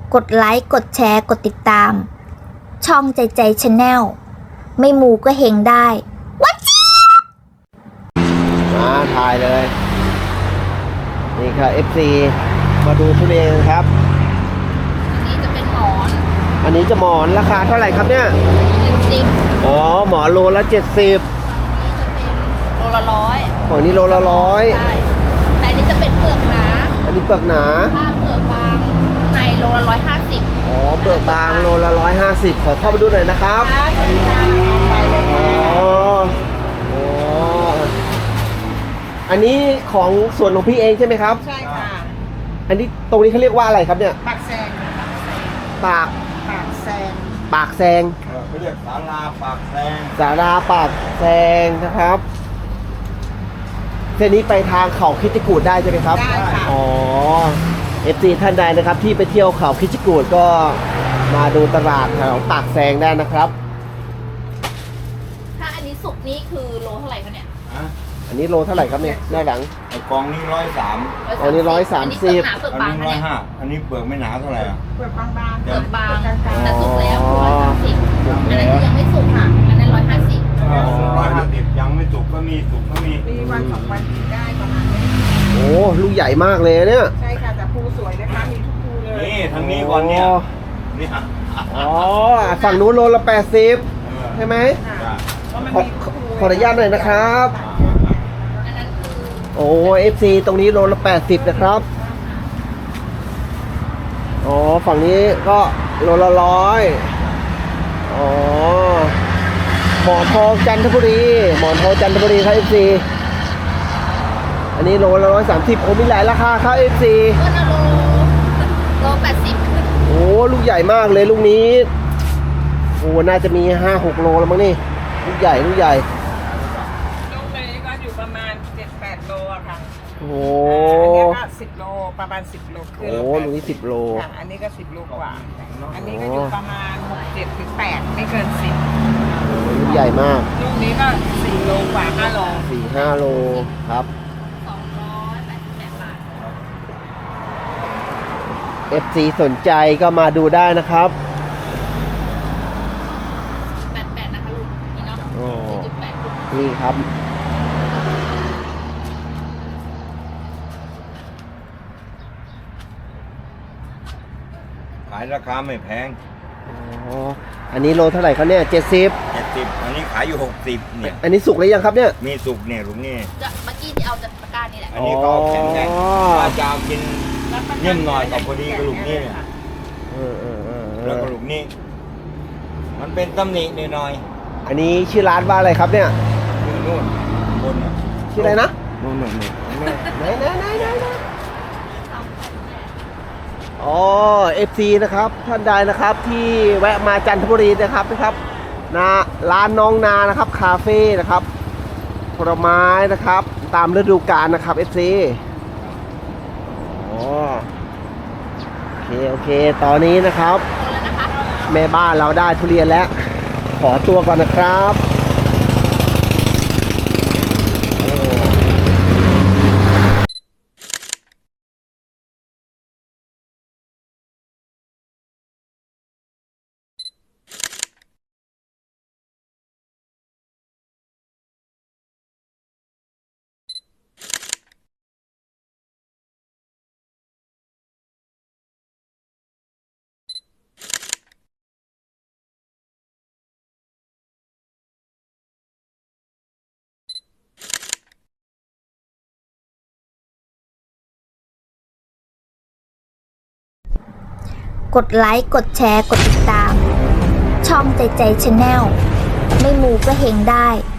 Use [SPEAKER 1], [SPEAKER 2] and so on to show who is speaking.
[SPEAKER 1] กดไลค์กดแชร์กดติดตามช่องใจใจชาแนลไม่มูก็เฮงได้วัดจี้
[SPEAKER 2] มาถ่ายเลยนี่ค่ะ FC มาดูทุเรียนครับ
[SPEAKER 3] อันนี้จะเป็นหมอน
[SPEAKER 2] อันนี้จะหมอนราคาเท่าไหร่ครับเนี่ย
[SPEAKER 3] 70
[SPEAKER 2] อ๋อหมอนโลละ70
[SPEAKER 3] โลละ100
[SPEAKER 2] ของนี้โลละ100
[SPEAKER 3] ใช่แต่อันนี้จะเป็นเปลือกหนา
[SPEAKER 2] อันนี้เปลือกหนา
[SPEAKER 3] ถ้าเปลือกบางในโลละ150
[SPEAKER 2] อ๋อเปลือกบางโลละ150ขอเข้าไปดูหน่อยนะครับอ๋ออ๋ออันนี้ของส่วนของพี่เองใช่ไหมครับ
[SPEAKER 4] ใช่ค่ะ
[SPEAKER 2] อันนี้ตรงนี้เขาเรียกว่าอะไรครับเนี่ย
[SPEAKER 4] ปากแซง
[SPEAKER 2] ปาก
[SPEAKER 4] แซง
[SPEAKER 2] ปากแซง
[SPEAKER 5] เขาเรียกศาลาปากแซง
[SPEAKER 2] ศาลาปากแซงนะครับเส้นนี้ไปทางเขาคิดจิกูดได้ใช่ไหมครับ
[SPEAKER 4] ได้ค่ะ
[SPEAKER 2] อ๋อ FC ท่านใดนะครับที่ไปเที่ยวเขาคิดจิกูดก็มาดูตลาดแถวปากแซงได้นะครับ
[SPEAKER 3] ถ้าอันนี้สุกนี้คือโลเท่าไหร่คะเนี่ย
[SPEAKER 2] อันนี้โลเท่าไหร่ครับเนี่ยด้านหลัง
[SPEAKER 5] ไอ้กองนี้130
[SPEAKER 2] อันนี้130
[SPEAKER 3] อันนี้เปลือกหนาเปลือก
[SPEAKER 5] อัน
[SPEAKER 3] บาง
[SPEAKER 5] นี้
[SPEAKER 3] เนี่ย
[SPEAKER 5] 150อันนี้เปลือกไม่หนาเท่าไหร่อ่ะ
[SPEAKER 4] เปลือกบางๆ
[SPEAKER 3] เปลือกบางแต่สุกแล้ว130อันนั้นคือยังไม่สุกค่ะอันนั้น
[SPEAKER 5] 150ยังไม่สุกก็มีสุกก็มี
[SPEAKER 4] วันสองวันกินได้ประมาณนี้
[SPEAKER 2] โอ้ลูกใหญ่มากเลยเนี่ย
[SPEAKER 4] ใช่ค่ะแต่ภูสวยนะคะมีทุกภูเลย
[SPEAKER 5] นี่ทางนี้ก่อนเนี่ยนี่
[SPEAKER 2] อ๋อฝั่งนู้นโลละ80ใช่ไหมขออนุญาตหน่อยนะครับโอ้ FC ตรงนี้โลละ80นะครับอ๋อฝั่งนี้ก็โลละ100อ๋อหมอนทองจันทบุรีหมอนทองจันทบุรีครับ FC อันนี้โลละ130โอ้มีหลายราคาครับ FC
[SPEAKER 3] ก็นะโล80
[SPEAKER 2] โอ้ลูกใหญ่มากเลยลูกนี้โอ้น่าจะมี 5-6 โลแล้วมั้งนี่ลูกใหญ่
[SPEAKER 4] ลูกนี้ก็อยู่ประมาณ7-8โลอะค่ะ
[SPEAKER 2] โอ้
[SPEAKER 4] อันนี้ก็10โลประมาณ10โลคือ
[SPEAKER 2] โอ้ลูกนี้10โล
[SPEAKER 4] อันนี้ก็10โลกว่าอันนี้ก็อยู่ประมาณ6-7-8ไม่เกิน10
[SPEAKER 2] ลูกใหญ่มาก
[SPEAKER 4] ลูกนี้ก็4โลกว่า5โล
[SPEAKER 2] 4-5 โลครับ
[SPEAKER 3] 288 บาท
[SPEAKER 2] FC สนใจก็มาดูได้นะครับ
[SPEAKER 3] 88นะคะลูกนี่เนาะ4.8
[SPEAKER 2] นี่ครับ
[SPEAKER 5] ขายราคาไม่แพง
[SPEAKER 2] อ๋ออันนี้โลเท่าไหร่ครับเนี่ย70
[SPEAKER 5] อันนี้ขายอยู่60เนี่ย
[SPEAKER 2] อันนี้สุกหรือยังครับเนี่ย
[SPEAKER 5] มีสุกเนี่ยลุงนี่
[SPEAKER 3] เมื่อกี้ที่เอาจากตะกร้านี่แหละ
[SPEAKER 5] อันนี้ก็แข็งแรงถ้าจะกินนิ่มหน่อยกับพอดีกระลูกนี่เนี่ยแล้วกระลูกนี่มันเป็นตำหนิหน่อย
[SPEAKER 2] อันนี้ชื่อร้านว่าอะไรครับเนี่ย
[SPEAKER 5] นู่นบน
[SPEAKER 2] ชื่ออะไรนะ
[SPEAKER 5] นู่นไห
[SPEAKER 2] นอ๋อ FC นะครับท่านใดนะครับที่แวะมาจันทบุรีนะครับนะร้านน้องนานะครับคาเฟ่นะครับผลไม้นะครับตามฤดูกาลนะครับ FC อ๋อโอเคตอนนี้นะครับแม่บ้านเราได้ทุเรียนแล้วขอตัวก่อนนะครับ
[SPEAKER 1] กดไลค์กดแชร์กดติดตามช่องใจใจชาแนลไม่มูก็เฮงได้